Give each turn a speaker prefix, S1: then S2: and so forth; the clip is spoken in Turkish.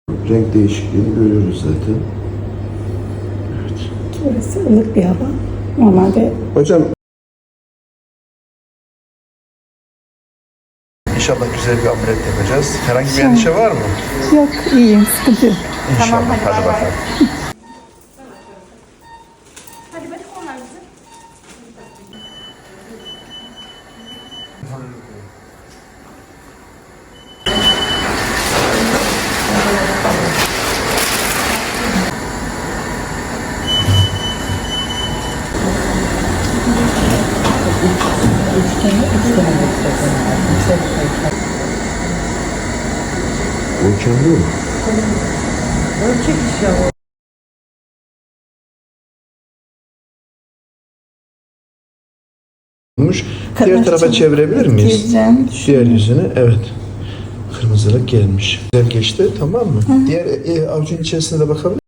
S1: Renk değişikliğini görüyoruz zaten. Evet.
S2: Burası ılık bir hava. Normalde
S1: Hocam İnşallah güzel bir ameliyat yapacağız. Herhangi bir endişe var mı?
S2: yok, iyiyim, sıkıntı yok.
S1: İnşallah. Hadi bakalım.
S3: Hadi bakın onlar bize.
S1: Ölçemli mi? Olmuş. Diğer tarafa çevirebilir miyiz?
S2: Gireceğim.
S1: Diğer yüzünü, evet. Kırmızılık gelmiş. Güzel geçti, tamam mı? Diğer avucun içerisine de bakabilir